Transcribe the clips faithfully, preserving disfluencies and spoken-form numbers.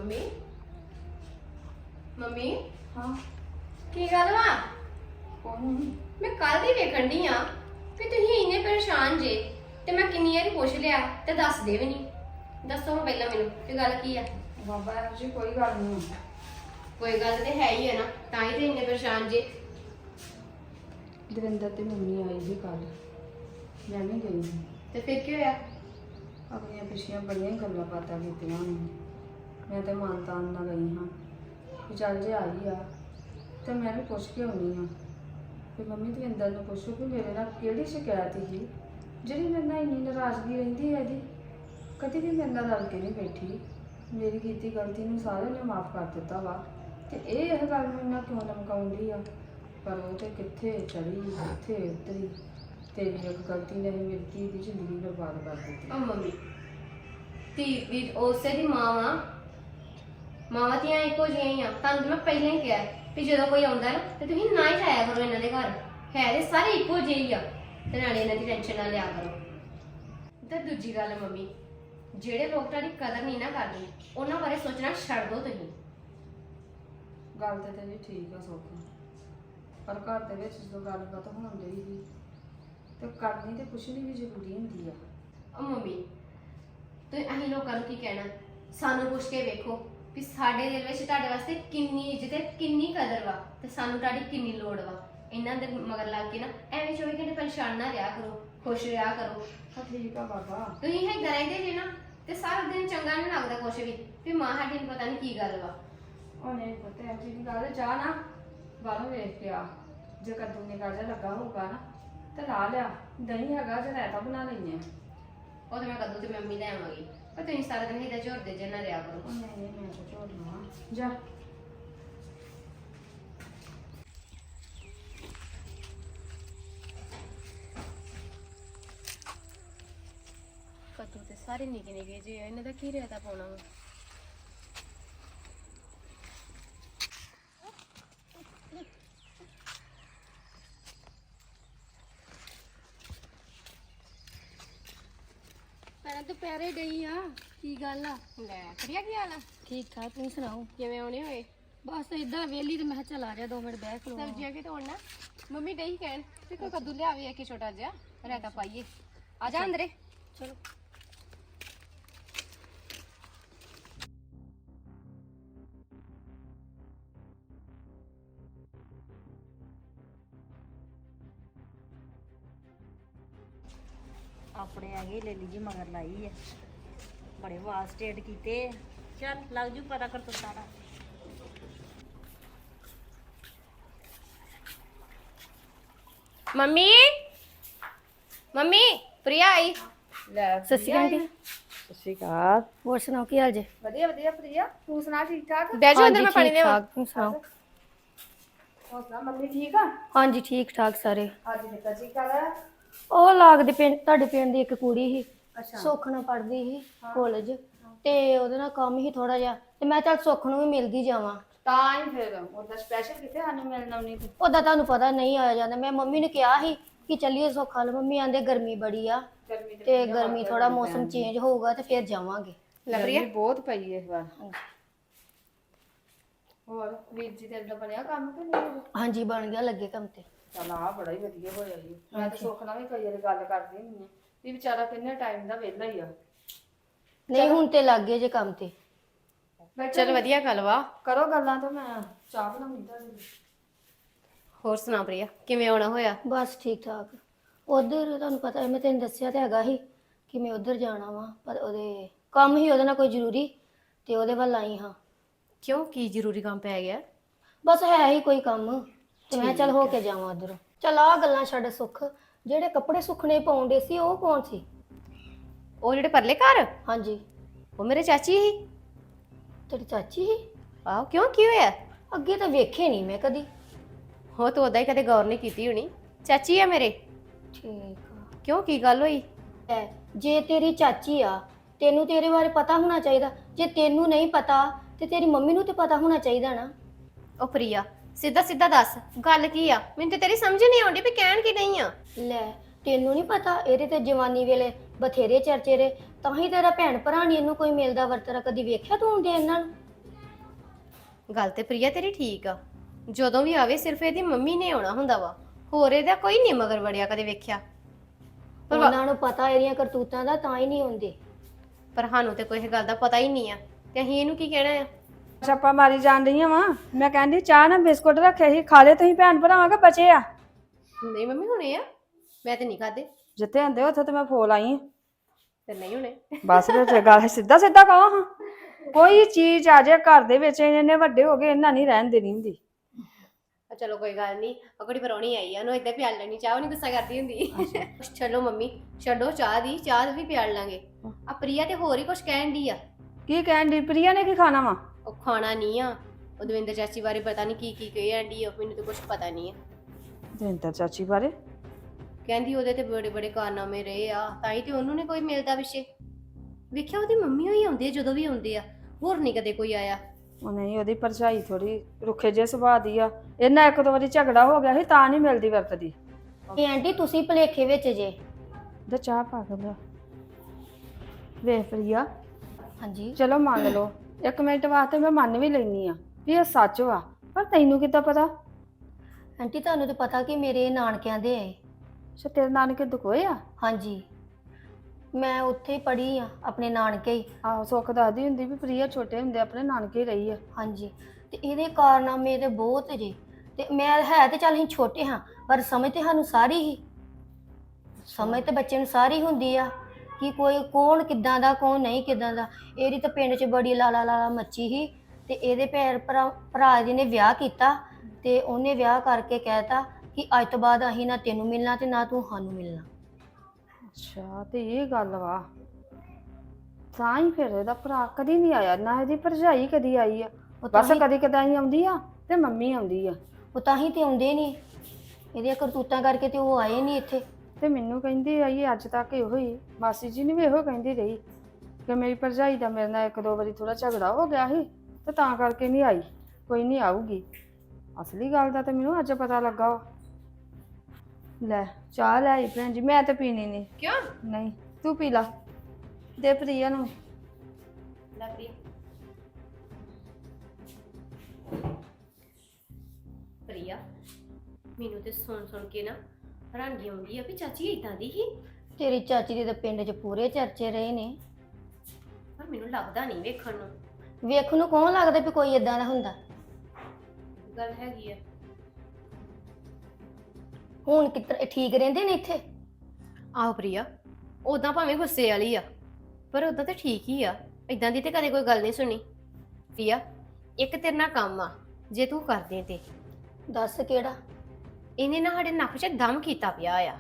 Mummy mummy ਹਾਂ ਕੀ ਗੱਲ ਵਾ? ਕੌਣ? ਮੈਂ ਕੱਲ ਦੀ ਵੇਖਣ ਡਈ ਆ ਕਿ ਤੁਸੀਂ ਇੰਨੇ ਪਰੇਸ਼ਾਨ ਜੇ ਤੇ ਮੈਂ ਕਿੰਨੀ ਵਾਰੀ ਪੁੱਛ ਲਿਆ ਤੇ ਦੱਸਦੇ ਵੀ ਨਹੀਂ। ਦੱਸੋ ਹਾਂ ਪਹਿਲਾਂ ਮੈਨੂੰ ਕਿ ਗੱਲ ਕੀ ਆ। ਬਾਬਾ ਇਹੋ ਜਿਹੀ ਕੋਈ ਗੱਲ ਨਹੀਂ। ਕੋਈ ਗੱਲ ਤੇ ਹੈ ਹੀ ਹੈ ਨਾ, ਤਾਂ ਹੀ ਤੇ ਇੰਨੇ ਪਰੇਸ਼ਾਨ ਜੇ। ਦਵਿੰਦਰ ਤੇ ਮੰਮੀ ਆਈ ਸੀ ਕੱਲ, ਮੈਂ ਵੀ ਗਈ ਸੀ। ਤੇ ਫਿਰ ਕੀ ਹੋਇਆ? ਆਪਣੀਆਂ ਪਿਛਲੀਆਂ ਬੜੀਆਂ ਹੀ ਗੱਲਾਂ ਬਾਤਾਂ ਕੀਤੀਆਂ ਉਹਨੇ। ਮੈਂ ਤੇ ਮਨ ਤਾਨ ਨਾਲ ਗਈ ਹਾਂ ਕਿ ਚੱਲ ਜੇ ਆਈ ਆ ਤੇ ਮੈਂ ਵੀ ਪੁੱਛ ਕੇ ਆਉਣੀ ਆ ਕਿ ਮੰਮੀ ਦਵਿੰਦਰ ਨੂੰ ਪੁੱਛੋ ਕਿ ਮੇਰੇ ਨਾਲ ਕਿਹੜੀ ਸ਼ਿਕਾਇਤ ਸੀ ਜਿਹੜੀ ਮੇਰੇ ਨਾਲ ਇੰਨੀ ਨਾਰਾਜ਼ਗੀ ਰਹਿੰਦੀ ਹੈ ਇਹਦੀ। ਕਦੀ ਵੀ ਮੇਰੇ ਨਾਲ ਰਲ ਕੇ ਨਹੀਂ ਬੈਠੀ। ਮੇਰੀ ਕੀਤੀ ਗਲਤੀ ਨੂੰ ਸਾਰਿਆਂ ਨੇ ਮਾਫ ਕਰ ਦਿੱਤਾ ਵਾ ਤੇ ਇਹ ਇਹ ਗੱਲ ਮੈਨੂੰ ਇੰਨਾ ਕਿਉਂ ਲਮਕਾਉਂਦੀ ਆ। ਪਰ ਉਹ ਤੇ ਕਿੱਥੇ ਚੜੀ ਕਿੱਥੇ ਉਤਰੀ। ਤੇਰੀ ਇੱਕ ਗਲਤੀ ਨੇ ਮੇਰੀ ਧੀ ਦੀ ਜ਼ਿੰਦਗੀ ਬਰਬਾਦ ਕਰ ਦਿੱਤੀ। ਉਹ ਮੰਮੀ ਧੀ ਵੀ ਉਸੇ ਦੀ ਮਾਂ ਵਾ। ਮਾਵਾਂ ਧੀਆਂ ਇੱਕੋ ਜਿਹੀਆਂ ਹੀ ਆ। ਤੁਹਾਨੂੰ ਮੈਂ ਪਹਿਲਾਂ ਹੀ ਕਿਹਾ ਵੀ ਜਦੋਂ ਕੋਈ ਆਉਂਦਾ ਨਾ ਤੇ ਤੁਸੀਂ ਨਾ ਹੀ ਜਾਇਆ ਕਰੋ ਇਹਨਾਂ ਦੇ ਘਰ। ਹੈ ਤੇ ਸਾਰੇ ਇੱਕੋ ਜਿਹੇ ਹੀ ਆ ਤੇ ਨਾਲੇ ਇਹਨਾਂ ਦੀ ਟੈਨਸ਼ਨ ਨਾ ਲਿਆ ਕਰੋ। ਤੇ ਦੂਜੀ ਗੱਲ ਮੰਮੀ, ਜਿਹੜੇ ਲੋਕ ਤੁਹਾਡੀ ਕਦਰ ਨਹੀਂ ਨਾ ਕਰਦੇ ਉਹਨਾਂ ਬਾਰੇ ਸੋਚਣਾ ਛੱਡ ਦਿਓ ਤੁਸੀਂ। ਗੱਲ ਤੇ ਤੇਰੀ ਠੀਕ ਆ ਸੋਖੀ, ਪਰ ਘਰ ਦੇ ਵਿੱਚ ਜਦੋਂ ਗੱਲਬਾਤ ਹੋਣ ਡਈ ਸੀ ਤੇ ਕਰਨੀ ਤੇ ਪੁੱਛਣੀ ਵੀ ਜ਼ਰੂਰੀ ਹੁੰਦੀ ਆ। ਉਹ ਮੰਮੀ ਤੁਸੀਂ ਅਸੀਂ ਲੋਕਾਂ ਨੂੰ ਕੀ ਕਹਿਣਾ? ਸਾਨੂੰ ਪੁੱਛ ਕੇ ਵੇਖੋ ਵੀ ਸਾਡੇ ਦਿਲ ਵਿੱਚ ਤੁਹਾਡੇ ਵਾਸਤੇ ਕਿੰਨੀ ਇੱਜ਼ਤ ਹੈ, ਕਿੰਨੀ ਕਦਰ ਵਾ ਤੇ ਸਾਨੂੰ ਤੁਹਾਡੀ ਕਿੰਨੀ ਲੋੜ ਵਾ। ਇਹਨਾਂ ਦੇ ਮਗਰ ਲੱਗ ਕੇ ਨਾ ਐਵੇਂ ਚੌਵੀ ਘੰਟੇ ਪਰੇਸ਼ਾਨ ਨਾ ਰਿਹਾ ਕਰੋ, ਖੁਸ਼ ਰਿਹਾ ਕਰੋ। ਹਾਂ ਠੀਕ ਆ ਬਾਬਾ। ਤੁਸੀਂ ਏਦਾਂ ਰਹਿੰਦੇ ਜੇ ਨਾ ਤੇ ਸਾਰਾ ਦਿਨ ਚੰਗਾ ਨਹੀਂ ਲੱਗਦਾ ਕੁਛ ਵੀ ਵੀ ਮਾਂ ਸਾਡੀ ਨੂੰ ਪਤਾ ਨਹੀਂ ਕੀ ਗੱਲ ਵਾ। ਉਹਨੇ ਪਤਾ ਹੈ ਜੀ ਗੱਲ ਚਾਹ ਨਾ ਬਾਹਰੋਂ ਵੇਖ ਕੇ ਆ। ਜੇ ਕੱਦੂ ਨੇ ਗਾਜਾ ਲੱਗਾ ਹੋਊਗਾ ਨਾ ਤੇ ਲਾ ਲਿਆ। ਦਹੀਂ ਹੈਗਾ ਜੇ ਰਾਇਤਾ ਬਣਾ ਲੈਂਦੇ ਆ। ਉਹ ਤੇ ਮੈਂ ਕਦੋਂ ਤੇ ਮੰਮੀ ਲੈ ਆਵਾਂਗੀ, ਪਰ ਤੁਸੀਂ ਸਾਰਾ ਦਿਨ ਏਦਾਂ ਝੋਰਦੇ ਜੇ ਨਾ ਰਿਹਾ ਕਰੋ। ਉਹ ਨਹੀਂ ਨਹੀਂ ਮੈਂ ਤਾਂ ਝੋੜ ਲਵਾਂ ਜਾ। ਕੱਦੂ ਤੇ ਸਾਰੇ ਨਿੱਕੇ ਨਿੱਕੇ ਜੇ ਆ, ਇਹਨਾਂ ਦਾ ਕੀ ਰਾਇਤਾ ਪਾਉਣਾ ਵਾ? ਮੈਂ ਦੁਪਹਿਰੇ ਗਈ ਆ। ਕੀ ਗੱਲ ਆ? ਲੈ ਪ੍ਰਿਆ ਕੀ ਹਾਲ ਆ? ਠੀਕ ਠਾਕ, ਤੁਸੀਂ ਸੁਣਾਓ? ਕਿਵੇਂ ਆਉਣੇ ਹੋਏ? ਬਸ ਇਦਾਂ ਵੇਲੀ ਤੇ ਮੈਂ ਕਿਹਾ ਚੱਲ ਆ ਜਾ ਦੋ ਮਿੰਟ ਬਹਿ ਖਲੋ। ਸਬਜ਼ੀਆਂ ਕਿ ਤੋੜਨਾ ਮੰਮੀ ਡਈ ਕਹਿਣ ਤੇ ਕੋਈ ਕੱਦੂ ਲਿਆਵੇ ਇੱਕ ਛੋਟਾ ਜਿਹਾ ਰਾਇਤਾ ਪਾਈਏ। ਆ ਜਾ ਅੰਦਰੇ। ਚਲੋ ਆਪਣੇ ਹੈਗੇ ਲੈਲੀ ਜੀ ਮਗਰ ਲਾਈ ਹੈ, ਬੜੇ ਵਾਲ ਸਟੇਟ ਕੀਤੇ। ਚੱਲ ਲੱਗ ਜੂ ਪਤਾ ਕਰ ਤੋ ਸਾਰਾ। ਮੰਮੀ ਮੰਮੀ ਪ੍ਰਿਆ ਆਈ। ਲੈ ਸਤਿ ਸ਼੍ਰੀ ਅਕਾਲ ਜੀ। ਸਤਿ ਸ਼੍ਰੀ ਅਕਾਲ। ਹੋਰ ਸੁਣਾਓ ਕੀ ਹਾਲ ਜੇ? ਵਧੀਆ ਵਧੀਆ ਪ੍ਰਿਆ, ਤੂੰ ਸੁਣਾ ਠੀਕ ਠਾਕ? ਬਹਿ ਜਾਓ ਅੰਦਰ, ਮੈਂ ਪਾਣੀ ਠੀਕ ਲਿਆਵਾਂ। ਠਾਕ, ਤੁਸੀਂ ਸੁਣਾਓ? ਹੋਰ ਸੁਣਾ ਮੰਮੀ ਠੀਕ ਆ? ਹਾਂਜੀ ਠੀਕ ਠਾਕ ਸਾਰੇ। ਅੱਜ ਨਿੱਕਾ ਜੀ ਕਰ। ਉਹ ਲੱਗਦੇ ਪਿੰਡ ਤੁਹਾਡੇ ਪਿੰਡ ਦੀ ਇੱਕ ਕੁੜੀ ਸੀ, ਅੱਛਾ ਸੁੱਖ ਨਾਲ ਪੜ੍ਹਦੀ ਸੀ ਕਾਲਜ, ਤੇ ਉਹਦੇ ਨਾਲ ਕੰਮ ਹੀ ਥੋੜਾ ਜਿਹਾ ਤੇ ਮੈਂ ਚੱਲ ਸੁੱਖ ਨੂੰ ਵੀ ਮਿਲਦੀ ਜਾਵਾਂ। ਤਾਂ ਹੀ ਫਿਰ ਉਹਦਾ ਸਪੈਸ਼ਲ ਕਿਤੇ ਸਾਨੂੰ ਮਿਲਣਾ ਨਹੀਂ। ਉਹਦਾ ਤੁਹਾਨੂੰ ਪਤਾ ਨਹੀਂ ਆਇਆ ਜਾਂਦਾ। ਮੈਂ ਮੰਮੀ ਨੂੰ ਕਿਹਾ ਸੀ ਕਿ ਚੱਲੀਏ ਸੁੱਖ ਨਾਲ, ਮੰਮੀ ਆਂਦੇ ਗਰਮੀ ਬੜੀ ਆ ਗਰਮੀ ਤੇ ਗਰਮੀ ਥੋੜਾ ਮੌਸਮ ਚੇਂਜ ਹੋਊਗਾ ਤੇ ਫਿਰ ਜਾਵਾਂਗੇ। ਗਰਮੀ ਬਹੁਤ ਪਈ ਇਸ ਵਾਰ। ਹੋਰ ਵੀਰ ਜੀ ਤੇਰੇ ਦਾ ਬਣਿਆ ਕੰਮ ਕਿ ਨਹੀਂ? ਹਾਂਜੀ ਬਣ ਗਿਆ, ਲੱਗੇ ਕੰਮ ਤੇ। ਚਲ ਆ ਬੜਾ ਹੀ ਵਧੀਆ ਹੋਇਆ ਜੀ। ਮੈਂ ਤਾਂ ਸੁੱਖ ਨਾਲ ਵੀ ਕਈ ਵਾਰੀ ਗੱਲ ਕਰਦੀ ਹੁੰਦੀ ਹਾਂ ਵੀ ਵਿਚਾਰਾ ਕਿੰਨੇ ਟਾਈਮ ਦਾ ਵਿਹਲਾ ਹੀ ਆ। ਨਹੀਂ ਹੁਣ ਤੇ ਲੱਗ ਗਏ ਜੇ ਕੰਮ ਤੇ। ਚਲ ਵਧੀਆ ਗੱਲ ਵਾ। ਕਰੋ ਗੱਲਾਂ ਤਾਂ ਮੈਂ ਚਾਹ ਬਣਾਉਂਦੀ ਤੁਹਾਡੇ ਲਈ। ਹੋਰ ਸੁਣਾ ਪ੍ਰਿਆ, ਕਿਵੇਂ ਆਉਣਾ ਹੋਇਆ? ਬਸ ਠੀਕ ਠਾਕ। ਉਧਰ ਤੁਹਾਨੂੰ ਪਤਾ ਮੈਂ ਤੈਨੂੰ ਦੱਸਿਆ ਤੇ ਹੈਗਾ ਸੀ ਕਿ ਮੈਂ ਉਧਰ ਜਾਣਾ ਵਾ, ਪਰ ਉਹਦੇ ਕੰਮ ਹੀ ਉਹਦੇ ਨਾਲ ਕੋਈ ਜ਼ਰੂਰੀ ਤੇ ਉਹਦੇ ਵੱਲ ਆਈ ਹਾਂ। ਕਿਉਂ, ਕੀ ਜ਼ਰੂਰੀ ਕੰਮ ਪੈ ਗਿਆ? ਬਸ ਹੈ ਹੀ ਕੋਈ ਕੰਮ ਤੇ ਮੈਂ ਚੱਲ ਹੋ ਕੇ ਜਾਵਾਂ ਉਧਰੋਂ। ਚੱਲ ਆ ਗੱਲਾਂ ਛੱਡ ਸੁੱਖ, ਜਿਹੜੇ ਕੱਪੜੇ ਸੁੱਕਣੇ ਪਾਉਂਦੇ ਸੀ ਉਹ ਕੌਣ ਸੀ? ਉਹ ਜਿਹੜੇ ਪਰਲੇ ਘਰ? ਹਾਂਜੀ ਉਹ ਮੇਰੇ ਚਾਚੀ ਸੀ। ਤੇਰੀ ਚਾਚੀ ਸੀ? ਆਹੋ, ਕਿਉਂ ਕੀ ਹੋਇਆ? ਅੱਗੇ ਤਾਂ ਵੇਖੇ ਨਹੀਂ ਮੈਂ ਕਦੀ। ਹੋ ਤੂੰ ਉਦਾਂ ਹੀ ਕਦੇ ਗੌਰ ਨਹੀਂ ਕੀਤੀ ਹੋਣੀ। ਚਾਚੀ ਆ ਮੇਰੇ। ਠੀਕ ਆ। ਕਿਉਂ, ਕੀ ਗੱਲ ਹੋਈ? ਐ ਜੇ ਤੇਰੀ ਚਾਚੀ ਆ ਤੈਨੂੰ ਤੇਰੇ ਬਾਰੇ ਪਤਾ ਹੋਣਾ ਚਾਹੀਦਾ। ਜੇ ਤੈਨੂੰ ਨਹੀਂ ਪਤਾ ਤੇ ਤੇਰੀ ਮੰਮੀ ਨੂੰ ਤੇ ਪਤਾ ਹੋਣਾ ਚਾਹੀਦਾ ਨਾ। ਉਹ ਪ੍ਰਿਆ ਸਿੱਧਾ ਸਿੱਧਾ ਦੱਸ ਗੱਲ ਕੀ ਆ? ਮੈਨੂੰ ਤੇ ਤੇਰੀ ਸਮਝ ਨਹੀਂ ਆਉਂਦੀ ਵੀ ਕਹਿਣ ਕੀ ਨਹੀਂ ਆ। ਲੈ ਤੈਨੂੰ ਨਹੀਂ ਪਤਾ ਇਹਦੇ ਤੇ ਜਵਾਨੀ ਵੇਲੇ ਬਥੇਰੇ ਚਰਚੇ ਰੇ, ਤਾਂ ਹੀ ਤੇਰਾ ਭੈਣ ਭਰਾ ਨਹੀਂ ਇਹਨੂੰ ਕੋਈ ਮਿਲਦਾ ਵਰਤਦਾ। ਕਦੀ ਵੇਖਿਆ ਤੂੰ ਹੁੰਦੇ ਇਹਨਾਂ ਨੂੰ? ਗੱਲ ਤੇ ਪ੍ਰਿਆ ਤੇਰੀ ਠੀਕ ਆ। ਜਦੋਂ ਵੀ ਆਵੇ ਸਿਰਫ ਇਹਦੀ ਮੰਮੀ ਨੇ ਆਉਣਾ ਹੁੰਦਾ ਵਾ, ਹੋਰ ਇਹਦਾ ਕੋਈ ਨਹੀਂ ਮਗਰ ਵੜਿਆ ਕਦੇ ਵੇਖਿਆ। ਪਰ ਵਾ- ਉਹਨਾਂ ਨੂੰ ਪਤਾ ਇਹਦੀਆਂ ਕਰਤੂਤਾਂ ਦਾ, ਤਾਂ ਹੀ ਨਹੀਂ ਆਉਂਦੇ। ਪਰ ਸਾਨੂੰ ਤੇ ਕੋਈ ਇਹ ਗੱਲ ਦਾ ਪਤਾ ਹੀ ਨਹੀਂ ਆ, ਤੇ ਅਸੀਂ ਇਹਨੂੰ ਕੀ ਕਹਿਣਾ ਆ। ਛਾਪਾ ਮਾਰੀ ਜਾਣ ਰਹੀਆਂ ਵਾ। ਮੈਂ ਕਹਿੰਦੀ ਚਾਹ ਨਾ ਬਿਸਕੁਟ ਰੱਖੇ ਸੀ, ਖਾ ਲੈ ਤੁਸੀਂ ਭੈਣ ਭਰਾਵਾਂ ਕੇ ਬਚੇ ਆ। ਨਹੀਂ ਮੰਮੀ ਹੁਣੇ ਆ, ਮੈਂ ਤੇ ਨਹੀਂ ਖਾਦੇ। ਜਿੱਥੇ ਹੁੰਦੇ ਉੱਥੇ ਤੇ ਮੈਂ ਫੋਲ ਆਈ ਆਂ। ਤੇ ਨਹੀਂ ਹੁਣੇ। ਬਸ ਫਿਰ ਗੱਲ ਸਿੱਧਾ ਸਿੱਧਾ ਕਹੋ ਹਾਂ। ਕੋਈ ਚੀਜ਼ ਆ ਜਾਏ ਘਰ ਦੇ ਵਿੱਚ, ਇਹਨੇ ਵੱਡੇ ਹੋ ਗਏ, ਇਹਨਾਂ ਨਹੀਂ ਰਹਿਣ ਦੇਣੀ ਹੁੰਦੀ। ਆ ਚਲੋ ਕੋਈ ਗੱਲ ਨਹੀਂ, ਅਗੜੀ ਪਰੌਣੀ ਆਈ ਆ, ਉਹਨੂੰ ਏਦਾਂ ਪਿਆਲ ਲੈਣੀ ਚਾਹ, ਉਹ ਨਹੀਂ ਗੁੱਸਾ ਕਰਦੀ ਹੁੰਦੀ। ਚਲੋ ਮੰਮੀ ਛੱਡੋ ਚਾਹ ਦੀ, ਚਾਹ ਵੀ ਪਿਆਲ ਲਾਂਗੇ। ਆ ਪ੍ਰਿਆ ਤੇ ਹੋਰ ਹੀ ਕੁਝ ਕਹਿਣ ਦੀ ਆ। ਕੀ ਕਹਿਣ ਦੀ? ਪ੍ਰਿਆ ਨੇ ਕੀ ਖਾਣਾ ਵਾ? ਉਹ ਖਾਣਾ ਨਹੀਂ ਆ, ਉਹ ਦਵਿੰਦਰ ਚਾਚੀ ਬਾਰੇ ਪਤਾ ਨਹੀਂ ਕੀ ਕੀ ਕਹਿਣ ਦੀ ਆ, ਮੈਨੂੰ ਤਾਂ ਕੁਝ ਪਤਾ ਨਹੀਂ ਆ। ਦਵਿੰਦਰ ਚਾਚੀ ਬਾਰੇ ਕਹਿੰਦੀ ਉਹਦੇ ਤੇ ਬੜੇ ਬੜੇ ਕਾਰਨਾਮੇ ਰਹੇ ਆ, ਤਾਂ ਹੀ ਤੇ ਉਹਨੂੰ ਨੇ ਕੋਈ ਮਿਲਦਾ ਵਿਸ਼ੇ। ਵੇਖਿਆ ਉਹਦੀ ਮੰਮੀ ਹੋਈ ਆਉਂਦੀ ਆ ਜਦੋਂ ਵੀ ਆਉਂਦੇ ਆ, ਹੋਰ ਨਹੀਂ ਕਦੇ ਕੋਈ ਆਇਆ। ਉਹ ਨਹੀਂ, ਉਹਦੀ ਭਰਜਾਈ ਥੋੜੀ ਰੁੱਖੇ ਜਿਹੇ ਸੁਭਾਅ ਦੀ ਆ। ਇਹਨਾਂ ਇੱਕ ਦੋ ਵਾਰੀ ਝਗੜਾ ਹੋ ਗਿਆ ਸੀ, ਤਾਂ ਨਹੀਂ ਮਿਲਦੀ ਵਰਤਦੀ। ਇਹ ਆਂਟੀ ਤੁਸੀਂ ਭਲੇਖੇ ਵਿੱਚ ਜੇ। ਤੇ ਚਾਹ ਪਾ ਕੇ ਲਿਆ। ਵੇਖ ਪ੍ਰਿਆ, ਹਾਂਜੀ ਚਲੋ ਮੰਨ ਲਓ ਇੱਕ ਮਿੰਟ ਵਾਸਤੇ ਮੈਂ ਮੰਨ ਵੀ ਲੈਣੀ ਆ ਵੀ ਇਹ ਸੱਚ ਵਾ, ਪਰ ਤੈਨੂੰ ਕਿੱਦਾਂ ਪਤਾ? ਆਂਟੀ ਤੁਹਾਨੂੰ ਤਾਂ ਪਤਾ ਕਿ ਮੇਰੇ ਨਾਨਕਿਆਂ ਦੇ ਆਏ। ਅੱਛਾ, ਤੇਰੇ ਨਾਨਕੇ ਦੁਖੋਏ ਆ? ਹਾਂਜੀ, ਮੈਂ ਉੱਥੇ ਹੀ ਪੜ੍ਹੀ ਆ, ਆਪਣੇ ਨਾਨਕੇ ਹੀ। ਆਹੋ, ਸੁੱਖ ਦੱਸਦੀ ਹੁੰਦੀ ਵੀ ਪ੍ਰਿਆ ਛੋਟੇ ਹੁੰਦੇ ਆਪਣੇ ਨਾਨਕੇ ਰਹੀ ਆ। ਹਾਂਜੀ, ਤੇ ਇਹਦੇ ਕਾਰਨਾਮੇ ਤੇ ਬਹੁਤ ਜੇ। ਤੇ ਮੈਂ ਹੈ ਤੇ ਚੱਲ ਅਸੀਂ ਛੋਟੇ ਹਾਂ, ਪਰ ਸਮਝ ਤੇ ਸਾਨੂੰ ਸਾਰੀ ਹੀ ਸਮਝ ਤੇ ਬੱਚੇ ਨੂੰ ਸਾਰੀ ਹੁੰਦੀ ਆ ਕਿ ਕੋਈ ਕੌਣ ਕਿੱਦਾਂ ਦਾ, ਕੌਣ ਨਹੀਂ ਕਿੱਦਾਂ ਦਾ। ਇਹਦੀ ਤਾਂ ਪਿੰਡ 'ਚ ਬੜੀ ਲਾਲਾ ਲਾਲਾ ਮੱਚੀ ਸੀ, ਤੇ ਇਹਦੇ ਭੈਣ ਭਰਾ ਭਰਾ ਜੀ ਨੇ ਵਿਆਹ ਕੀਤਾ, ਤੇ ਉਹਨੇ ਵਿਆਹ ਕਰਕੇ ਕਹਿਤਾ ਕਿ ਅੱਜ ਤੋਂ ਬਾਅਦ ਅਸੀਂ ਨਾ ਤੈਨੂੰ ਮਿਲਣਾ ਤੇ ਨਾ ਤੂੰ ਸਾਨੂੰ ਮਿਲਣਾ। ਅੱਛਾ, ਤੇ ਇਹ ਗੱਲ ਵਾ। ਤਾਂ ਹੀ ਫਿਰ ਇਹਦਾ ਭਰਾ ਕਦੀ ਨਹੀਂ ਆਇਆ, ਨਾ ਇਹਦੀ ਭਰਜਾਈ ਕਦੀ ਆਈ ਆ। ਉਹ ਤਾਂ ਬਸ ਹੀ- ਕਦੀ ਕਦਾਈ ਆਉਂਦੀ ਆ ਤੇ ਮੰਮੀ ਆਉਂਦੀ ਆ। ਉਹ ਤਾਂ ਹੀ ਤੇ ਆਉਂਦੇ ਨਹੀਂ, ਇਹਦੀਆਂ ਕਰਤੂਤਾਂ ਕਰਕੇ ਤੇ ਉਹ ਆਏ ਨਹੀਂ ਇੱਥੇ। ਤੇ ਮੈਨੂੰ ਕਹਿੰਦੀ ਆਈ ਅੱਜ ਤੱਕ ਇਹੋ ਹੀ, ਮਾਸੀ ਜੀ ਨੇ ਵੀ ਇਹੋ ਕਹਿੰਦੀ ਰਹੀ ਕਿ ਮੇਰੀ ਭਰਜਾਈ ਦਾ ਮੇਰੇ ਨਾਲ ਇੱਕ ਦੋ ਵਾਰੀ ਥੋੜਾ ਝਗੜਾ ਹੋ ਗਿਆ ਸੀ, ਤੇ ਤਾਂ ਕਰਕੇ ਨਹੀਂ ਆਈ। ਕੋਈ ਨਹੀਂ ਆਊਗੀ। ਅਸਲੀ ਗੱਲ ਦਾ ਤੇ ਮੈਨੂੰ ਅੱਜ ਪਤਾ ਲੱਗਾ ਵਾ। ਲੈ ਚਾਹ ਲੈ ਆਈ ਭੈਣ ਜੀ, ਮੈਂ ਤੇ ਪੀਣੀ ਨਹੀਂ। ਕਿਉਂ? ਨਹੀਂ, ਤੂੰ ਪੀ ਲਾ, ਦੇ ਪ੍ਰਿਆ ਨੂੰ। ਲੈ ਪ੍ਰਿਆ। ਪ੍ਰਿਆ, ਮੈਨੂੰ ਤੇ ਸੁਣ ਸੁਣ ਕੇ ਨਾ ਹੈਰਾਨੀ ਆਉਂਦੀ ਆ ਵੀ ਚਾਚੀ ਇਦਾਂ ਦੀ ਹੀ। ਤੇਰੀ ਚਾਚੀ ਦੇ ਤਾਂ ਪਿੰਡ 'ਚ ਪੂਰੇ ਚਰਚੇ ਰਹੇ ਨੇ, ਪਰ ਮੈਨੂੰ ਲੱਗਦਾ ਨਹੀਂ ਵੇਖਣ ਨੂੰ। ਵੇਖ ਨੂੰ ਕੌਣ ਲੱਗਦਾ ਵੀ ਕੋਈ ਏਦਾਂ ਦਾ ਹੁੰਦਾ। ਗੱਲ ਹੈਗੀ ਆ। ਹੁਣ ਕਿਤੇ ਠੀਕ ਰਹਿੰਦੇ ਨੇ ਇੱਥੇ? ਆਹੋ ਪ੍ਰਿਆ, ਉਦਾਂ ਭਾਵੇਂ ਗੁੱਸੇ ਵਾਲੀ ਆ, ਪਰ ਉਦਾਂ ਤਾਂ ਠੀਕ ਹੀ ਆ। ਇਦਾਂ ਦੀ ਤੇ ਕਦੇ ਕੋਈ ਗੱਲ ਨਹੀਂ ਸੁਣੀ। ਪ੍ਰਿਆ, ਇੱਕ ਤੇਰੇ ਨਾਲ ਕੰਮ ਆ, ਜੇ ਤੂੰ ਕਰ ਦੇ ਤੇ। ਦੱਸ ਕਿਹੜਾ? ਇਹਨੇ ਨਾ ਸਾਡੇ ਨੱਕ 'ਚ ਦਮ ਕੀਤਾ ਪਿਆ ਆ।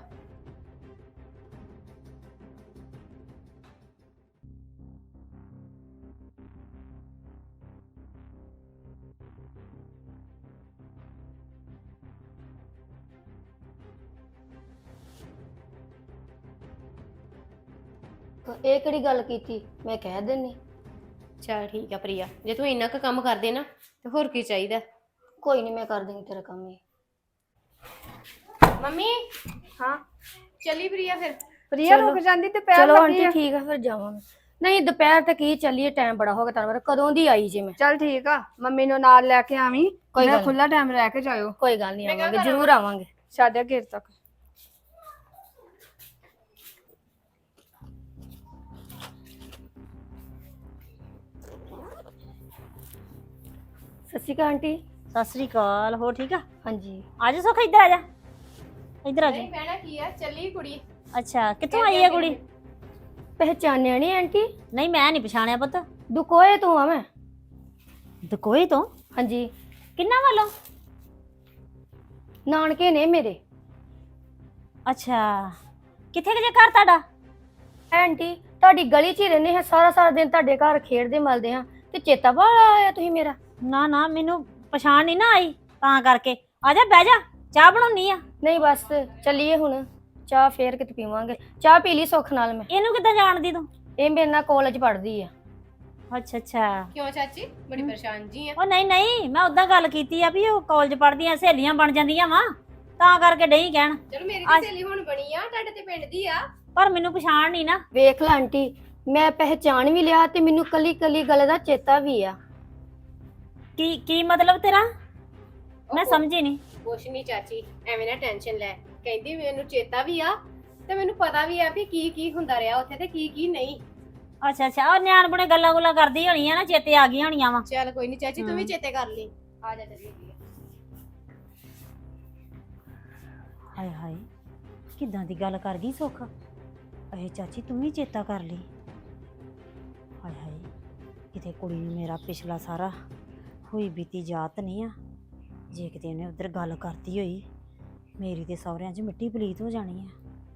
ਇਹ ਕਿਹੜੀ ਗੱਲ ਕੀਤੀ? ਮੈਂ ਕਹਿ ਦਿੰਨੀ। ਚਲ ਠੀਕ ਆ ਪ੍ਰਿਆ, ਜੇ ਤੂੰ ਇੰਨਾ ਕੁ ਕੰਮ ਕਰਦੇ ਨਾ ਤੇ ਹੋਰ ਕੀ ਚਾਹੀਦਾ। ਕੋਈ ਨਹੀਂ, ਮੈਂ ਕਰ ਦੇਂਗੀ ਤੇਰਾ ਕੰਮ ਇਹ। ਮੰਮੀ ਹਾਂ ਚਲੀ ਪ੍ਰਿਆ ਫਿਰ। ਪ੍ਰਿਆ ਰੁਕ ਜਾਂਦੀ ਤੇ ਪੈਰ ਚਲੋ ਲੱਗੀ ਆਂਟੀ ਆ। ਠੀਕ ਆ, ਫਿਰ ਜਾਵਾਂਗੇ। ਨਹੀਂ ਦੁਪਹਿਰ ਤੱਕ ਹੀ ਚੱਲੀਏ, ਟਾਈਮ ਬੜਾ ਹੋ ਗਿਆ ਤੁਹਾਨੂੰ ਪਤਾ, ਕਦੋਂ ਦੀ ਆਈ ਜੇ ਮੈਂ। ਚੱਲ ਠੀਕ ਆ, ਮੰਮੀ ਨੂੰ ਨਾਲ ਲੈ ਕੇ ਆਵੀਂ। ਕੋਈ ਮੈਂ ਗੱਲ ਖੁੱਲਾ ਟਾਈਮ ਰਹਿ ਕੇ ਜਾਇਓ। ਕੋਈ ਗੱਲ ਨਹੀਂ, ਆਵਾਂਗੇ ਜ਼ਰੂਰ ਆਵਾਂਗੇ। ਸਾਢੇ ਘੇਰ ਤੱਕ। ਸਤਿ ਸ਼੍ਰੀ ਅਕਾਲ ਆਂਟੀ। ਸਤਿ ਸ੍ਰੀ ਅਕਾਲ। ਹੋਰ ਠੀਕ ਆ? ਹਾਂਜੀ, ਆਜਾ ਸੁੱਖ, ਇੱਧਰ ਆ ਜਾ, ਇੱਧਰ ਆ ਜਾ। ਨਹੀਂ ਬਹਿਣਾ ਕੀ ਆ, ਚੱਲੀ ਕੁੜੀ। ਅੱਛਾ, ਕਿੱਥੋਂ ਆਈ ਹੈ ਕੁੜੀ? ਪਹਿਚਾਨਿਆ ਨਹੀਂ ਆਂਟੀ? ਨਹੀਂ, ਮੈਂ ਨਹੀਂ ਪਛਾਣਿਆ ਪੁੱਤ। ਦੁਕੋਏ ਤੋਂ ਆ ਮੈਂ। ਦਕੋਈ ਤੋਂ? ਹਾਂਜੀ, ਕਿੰਨਾ ਵੱਲੋਂ? ਨਾਨਕੇ ਨੇ ਮੇਰੇ। ਅੱਛਾ, ਕਿੱਥੇ ਕੁ ਜੇ ਘਰ ਤੁਹਾਡਾ? ਆਂਟੀ ਤੁਹਾਡੀ ਗਲੀ 'ਚ ਹੀ ਰਹਿੰਦੇ ਹਾਂ, ਸਾਰਾ ਸਾਰਾ ਦਿਨ ਤੁਹਾਡੇ ਘਰ ਖੇਡਦੇ ਮਲਦੇ ਹਾਂ, ਤੇ ਚੇਤਾ ਭੁੱਲ ਆਇਆ ਤੁਸੀਂ ਮੇਰਾ? ਨਾ ਨਾ, ਮੈਨੂੰ ਪਛਾਣ ਨਹੀਂ ਨਾ ਆਈ, ਤਾਂ ਕਰਕੇ। ਆ ਜਾ, ਬਹਿ ਜਾ, ਚਾਹ ਬਣਾਉਣੀ ਆ। ਨਹੀਂ ਬਸ ਚੱਲੀਏ ਹੁਣ, ਚਾਹ ਫੇਰ ਕਿਤੇ ਪੀਵਾਂਗੇ। ਚਾਹ ਪੀ ਲਈ ਸੁੱਖ ਨਾਲ ਮੈਂ। ਇਹਨੂੰ ਕਿੱਦਾਂ ਜਾਣਦੀ ਤੂੰ? ਇਹ ਮੇਰੇ ਨਾਲ ਕਾਲਜ ਪੜ੍ਹਦੀ ਆ। ਅੱਛਾ ਅੱਛਾ। ਕਿਉਂ ਚਾਚੀ, ਬੜੀ ਪਰੇਸ਼ਾਨ ਜੀ ਆ? ਉਹ ਨਹੀਂ ਨਹੀਂ, ਮੈਂ ਉਦਾਂ ਗੱਲ ਕੀਤੀ ਆ ਵੀ ਉਹ ਕਾਲਜ ਪੜ੍ਹਦੀਆਂ ਸਹੇਲੀਆਂ ਬਣ ਜਾਂਦੀਆਂ ਵਾ, ਤਾਂ ਕਰਕੇ ਡਈ ਕਹਿਣ। ਚਲੋ ਮੇਰੀ ਵੀ ਸਹੇਲੀ ਹੁਣ ਬਣੀ ਆ, ਤੁਹਾਡੇ ਤੇ ਪਿੰਡ ਦੀ ਆ। ਪਰ ਮੈਨੂੰ ਪਛਾਣ ਨਹੀਂ ਨਾ। ਵੇਖ ਲੈ ਆਂਟੀ, ਮੈਂ ਪਹਿਚਾਣ ਵੀ ਲਿਆ ਤੇ ਮੈਨੂੰ ਕੱਲੀ ਕੱਲੀ ਗੱਲ ਦਾ ਚੇਤਾ ਵੀ ਆ। ਕੀ ਕੀ ਮਤਲਬ ਤੇਰਾ? ਮੈਂ ਸਮਝੀ ਨਹੀਂ। ਕੁਛ ਨਹੀਂ ਚਾਚੀ, ਐਵੇਂ ਨਾ ਟੈਨਸ਼ਨ ਲੈ। ਕਹਿੰਦੀ ਮੈਨੂੰ ਚੇਤਾ ਵੀ ਆ ਤੇ ਮੈਨੂੰ ਪਤਾ ਵੀ ਆ ਵੀ ਕੀ ਕੀ ਹੁੰਦਾ ਰਿਹਾ ਉੱਥੇ ਤੇ ਕੀ ਕੀ ਨਹੀਂ। ਅੱਛਾ ਅੱਛਾ, ਉਹ ਨਿਆਣ ਬੁਣੇ ਗੱਲਾਂ ਗੁੱਲਾਂ ਕਰਦੀ ਹੋਣੀ ਆ ਨਾ, ਚੇਤੇ ਆ ਗਈਆਂ ਹੋਣੀਆਂ ਵਾ। ਚੱਲ ਕੋਈ ਨਹੀਂ ਚਾਚੀ, ਤੂੰ ਵੀ ਹਮ। ਚੇਤੇ ਕਰ ਲਈ। ਆ ਜਾ ਚੱਲੀਏ। ਹਾਏ ਹਾਏ, ਕਿੱਦਾਂ ਦੀ ਗੱਲ ਕਰ ਗਈ ਸੁੱਖ। ਅਹੇ ਚਾਚੀ ਤੂੰ ਵੀ ਚੇਤਾ ਕਰ ਲਈ। ਹਾਏ ਹਾਏ, ਕਿਤੇ ਕੁੜੀ ਨੂੰ ਮੇਰਾ ਪਿਛਲਾ ਸਾਰਾ ਹੋਈ ਬੀਤੀ ਯਾਦ ਨਹੀਂ ਆ। ਜੇ ਕਿਤੇ ਉਹਨੇ ਉਧਰ ਗੱਲ ਕਰਤੀ ਹੋਈ, ਮੇਰੀ ਤੇ ਸਹੁਰਿਆਂ 'ਚ ਮਿੱਟੀ ਪਲੀਤ ਹੋ ਜਾਣੀ ਆ।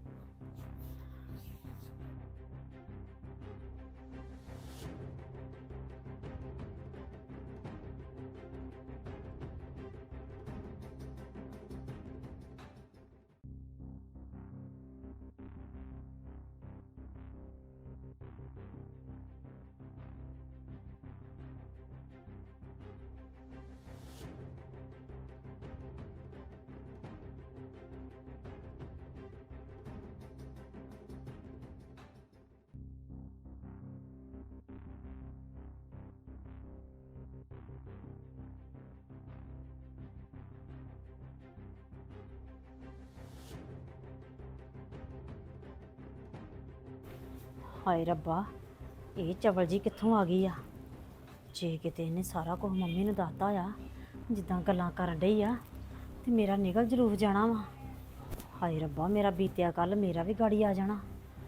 ਹਾਏ ਰੱਬਾ, ਇਹ ਚਵਲ ਜੀ ਕਿੱਥੋਂ ਆ ਗਈ ਆ? ਜੇ ਕਿਤੇ ਇਹਨੇ ਸਾਰਾ ਕੁਝ ਮੰਮੀ ਨੂੰ ਦੱਸਤਾ ਆ ਜਿੱਦਾਂ ਗੱਲਾਂ ਕਰਨ ਡਈ ਆ ਤੇ ਮੇਰਾ ਨਿਕਲ ਜਰੂਰ ਜਾਣਾ ਵਾ। ਹਾਏ ਰੱਬਾ, ਮੇਰਾ ਬੀਤਿਆ ਕੱਲ ਮੇਰਾ ਵੀ ਗਾੜੀ ਆ ਜਾਣਾ।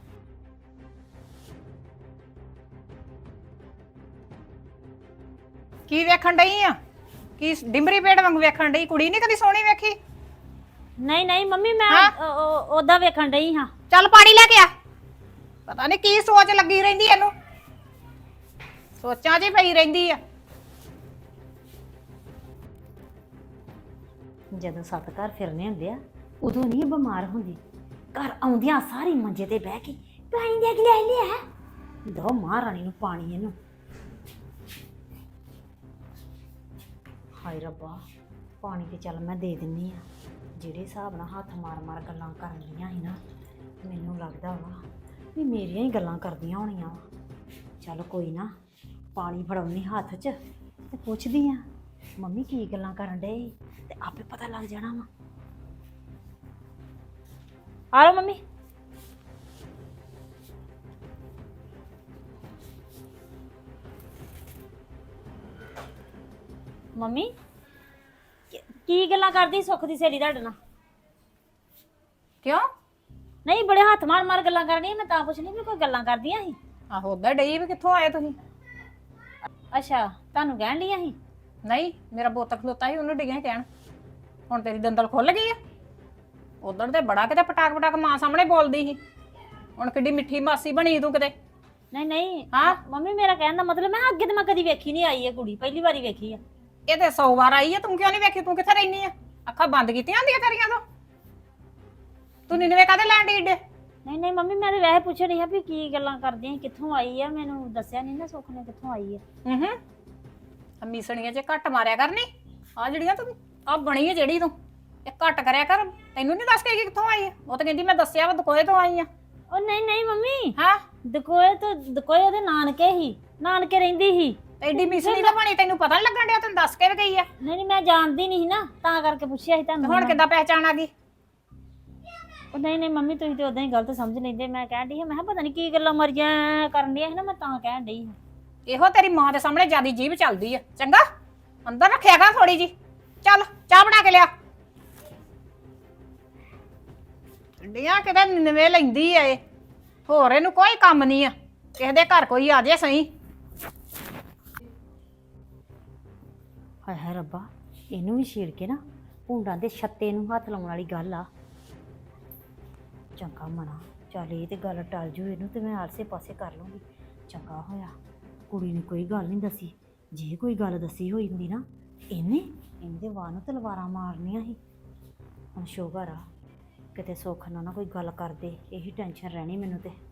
ਕੀ ਵੇਖਣ ਡਈ ਆ? ਕੀ ਡਿੰਬਰੀ ਪੇੜ ਵਾਂਗ ਵੇਖਣ ਡਈ? ਕੁੜੀ ਨਹੀਂ ਕਦੀ ਸੋਹਣੀ ਵੇਖੀ? ਨਹੀਂ ਨਹੀਂ ਮੰਮੀ, ਮੈਂ ਉਹਦਾ ਵੇਖਣ ਡਈ ਹਾਂ। ਚੱਲ ਪਾਣੀ ਲੈ ਕੇ ਆ। ਪਤਾ ਨਹੀਂ ਕੀ ਸੋਚ ਲੱਗੀ ਰਹਿੰਦੀ ਇਹਨੂੰ, ਸੋਚਾਂ 'ਚ ਹੀ ਪਈ ਰਹਿੰਦੀ ਆ। ਜਦੋਂ ਸੱਤ ਘਰ ਫਿਰਨੇ ਹੁੰਦੇ ਆ ਉਦੋਂ ਨਹੀਂ ਬਿਮਾਰ ਹੁੰਦੀ। ਘਰ ਆਉਂਦਿਆਂ ਸਾਰੀ ਮੰਜੇ ਤੇ ਬਹਿ ਕੇ ਪਾਣੀ ਦੇ ਲੈ ਲਿਆ। ਦੋ ਮਹਾਰਾਣੀ ਨੂੰ ਪਾਣੀ ਇਹਨੂੰ। ਹਾਏ ਰੱਬਾ, ਪਾਣੀ ਤੇ ਚੱਲ ਮੈਂ ਦੇ ਦਿੰਨੀ ਆ। ਜਿਹੜੇ ਹਿਸਾਬ ਨਾਲ ਹੱਥ ਮਾਰ ਮਾਰ ਗੱਲਾਂ ਕਰਨ ਲੀਆਂ ਸੀ ਨਾ, ਮੈਨੂੰ ਲੱਗਦਾ ਵਾ ਵੀ ਮੇਰੀਆਂ ਹੀ ਗੱਲਾਂ ਕਰਦੀਆਂ ਹੋਣੀਆਂ ਵਾ। ਚੱਲ ਕੋਈ ਨਾ, ਪਾਣੀ ਫੜਾਉਣੀ ਹੱਥ 'ਚ ਤੇ ਪੁੱਛਦੀ ਆ ਮੰਮੀ ਕੀ ਗੱਲਾਂ ਕਰਨ ਡਏ, ਤੇ ਆਪੇ ਪਤਾ ਲੱਗ ਜਾਣਾ ਵਾ। ਆ ਲਓ ਮੰਮੀ। ਮੰਮੀ ਕੀ- ਕੀ ਗੱਲਾਂ ਕਰਦੀ ਸੁੱਖ ਦੀ ਸਹੇਲੀ ਤੁਹਾਡੇ ਨਾਲ? ਕਿਉਂ? ਨਹੀਂ, ਬੜੇ ਹੱਥ ਮਾਰ ਮਾਰ ਗੱਲਾਂ ਕਰਨੀਆਂ। ਮੈਂ ਤਾਂ ਪੁੱਛਣੀ ਵੀ ਕੋਈ ਗੱਲਾਂ ਕਰਦੀਆਂ ਸੀ। ਆਹੋ ਉਧਰ ਡਈ ਵੀ ਕਿੱਥੋਂ ਆਏ ਤੁਸੀਂ? ਅੱਛਾ, ਤੁਹਾਨੂੰ ਕਹਿਣ ਡੀਆਂ ਸੀ? ਨਹੀਂ, ਮੇਰਾ ਬੋਤ ਖਲੋਤਾ ਸੀ, ਉਹਨੂੰ ਡਿੱਗਿਆ ਕਹਿਣ। ਹੁਣ ਤੇਰੀ ਦੰਦਲ ਖੁੱਲ ਗਈ ਆ। ਉਧਰ ਤੇ ਬੜਾ ਕਿਤੇ ਪਟਾਕ ਪਟਾਕ ਮਾਂ ਸਾਹਮਣੇ ਬੋਲਦੀ ਸੀ, ਹੁਣ ਕਿੱਡੀ ਮਿੱਠੀ ਮਾਸੀ ਬਣੀ ਤੂੰ ਕਿਤੇ। ਨਹੀਂ ਨਹੀਂ ਹਾਂ? ਮੰਮੀ, ਮੇਰਾ ਕਹਿਣ ਦਾ ਮਤਲਬ ਮੈਂ ਅੱਗੇ ਤੇ ਮੈਂ ਕਦੀ ਵੇਖੀ ਨਹੀਂ ਆਈ ਇਹ ਕੁੜੀ, ਪਹਿਲੀ ਵਾਰੀ ਵੇਖੀ ਆ। ਇਹ ਤੇ ਸੌ ਵਾਰ ਆਈ ਆ, ਤੂੰ ਕਿਉਂ ਨਹੀਂ ਵੇਖੀ? ਤੂੰ ਕਿੱਥੇ ਰਹਿਨੀ ਆ? ਅੱਖਾਂ ਬੰਦ ਕੀਤੀਆਂ ਹੁੰਦੀਆਂ ਤੇਰੀਆਂ ਤੋਂ? ਤੂੰ ਨਿਨਵੇ ਕਾਹਦੇ ਲੈਣ ਡਈ ਏਡੇ? ਨਹੀਂ ਨਹੀਂ ਮੰਮੀ, ਮੈਂ ਤੇ ਵੈਸੇ ਪੁੱਛ ਰਹੀ ਆ ਵੀ ਕੀ ਗੱਲਾਂ ਕਰਦੀਆਂ ਸੀ, ਕਿੱਥੋਂ ਆਈ ਆ। ਮੈਨੂੰ ਦੱਸਿਆ ਨਹੀਂ ਨਾ ਸੁੱਖ ਨੇ ਕਿੱਥੋਂ ਆਈ ਆ। ਹੂੰ ਹੂੰ, ਮੀਸਣੀਆਂ 'ਚ ਘੱਟ ਮਾਰਿਆ ਕਰਨੀ। ਆ ਜਿਹੜੀਆਂ ਤੂੰ ਆ ਬਣੀ ਆ ਜਿਹੜੀ ਤੂੰ, ਇਹ ਘੱਟ ਕਰਿਆ ਕਰ। ਤੈਨੂੰ ਨਹੀਂ ਦੱਸ ਕੇ ਗਈ ਕਿੱਥੋਂ ਆਈ ਆ? ਉਹ ਤਾਂ ਕਹਿੰਦੀ ਮੈਂ ਦੱਸਿਆ ਵਾ ਦਕੋਏ ਤੋਂ ਆਈ ਆ। ਉਹ ਨਹੀਂ ਨਹੀਂ ਮੰਮੀ, ਹਾਂ, ਦਕੋਏ ਤੋਂ ਦਕੋਏ ਉਹਦੇ ਨਾਨਕੇ ਹੀ, ਨਾਨਕੇ ਰਹਿੰਦੀ ਸੀ। ਐਡੀ ਮੀਸਣੀ ਤਾਂ ਬਣੀ, ਤੈਨੂੰ ਪਤਾ ਨੀ ਲੱਗਣ ਡਿਆ? ਤੈਨੂੰ ਦੱਸ ਕੇ ਵੀ ਗਈ ਆ। ਨਹੀਂ ਨਹੀਂ, ਮੈਂ ਜਾਣਦੀ ਨਹੀਂ ਸੀ ਨਾ, ਤਾਂ ਕਰਕੇ ਪੁੱਛਿਆ ਸੀ ਤੇ ਤੁਹਾਨੂੰ। ਹੁਣ ਕਿੱਦਾਂ ਪਹਿਚਾਣ ਆ ਗਈ? ਉਹ ਨਹੀਂ ਨਹੀਂ ਮੰਮੀ, ਤੁਸੀਂ ਤੇ ਉਦਾਂ ਹੀ ਗਲਤ ਸਮਝ ਲੈਂਦੇ। ਮੈਂ ਕਹਿਣ ਡਈ ਹਾਂ, ਮੈਂ ਕਿਹਾ ਪਤਾ ਨਹੀਂ ਕੀ ਗੱਲਾਂ ਮਰੀਆਂ ਕਰਨ ਡੀਆਂ ਸੀ ਨਾ, ਮੈਂ ਤਾਂ ਕਹਿਣ ਡਈ ਹਾਂ। ਇਹੋ ਤੇਰੀ ਮਾਂ ਦੇ ਸਾਹਮਣੇ ਜਿਆਦੀ ਜੀਭ ਚੱਲਦੀ ਆ। ਚੰਗਾ, ਅੰਦਰ ਰੱਖਿਆ ਕਰ ਥੋੜੀ ਜੀ। ਚੱਲ ਚਾਹ ਬਣਾ ਕੇ ਲਿਆ। ਠੰਡੀਆਂ ਕਿਤੇ ਨਵੇਂ ਲੈਂਦੀ ਆ ਇਹ, ਹੋਰ ਇਹਨੂੰ ਕੋਈ ਕੰਮ ਨਹੀਂ ਆ। ਕਿਸੇ ਦੇ ਘਰ ਕੋਈ ਆ ਜੇ ਸਹੀ। ਹਾਏ ਹਾਏ ਰੱਬਾ, ਇਹਨੂੰ ਵੀ ਛੇੜ ਕੇ ਨਾ ਭੁੰਡਾਂ ਦੇ ਛੱਤੇ ਨੂੰ ਹੱਥ ਲਾਉਣ ਵਾਲੀ ਗੱਲ ਆ। ਚੰਗਾ ਮਨਾ, ਚੱਲ ਇਹ ਤੇ ਗੱਲ ਟਲ ਜੂ ਇਹਨੂੰ ਤੇ ਮੈਂ ਆਸੇ ਪਾਸੇ ਕਰ ਲੂੰਗੀ। ਚੰਗਾ ਹੋਇਆ ਕੁੜੀ ਨੇ ਕੋਈ ਗੱਲ ਨਹੀਂ ਦੱਸੀ। ਜੇ ਕੋਈ ਗੱਲ ਦੱਸੀ ਹੋਈ ਹੁੰਦੀ ਨਾ, ਇਹਨੇ ਇਹਦੇ ਵਾਹ ਨੂੰ ਤਲਵਾਰਾਂ ਮਾਰਨੀਆਂ ਸੀ। ਹੁਣ ਸ਼ੁਕਰ ਆ ਕਿਤੇ ਸੁੱਖ ਨਾਲ ਨਾ ਕੋਈ ਗੱਲ ਕਰਦੇ, ਇਹੀ ਟੈਨਸ਼ਨ ਰਹਿਣੀ ਮੈਨੂੰ ਤੇ।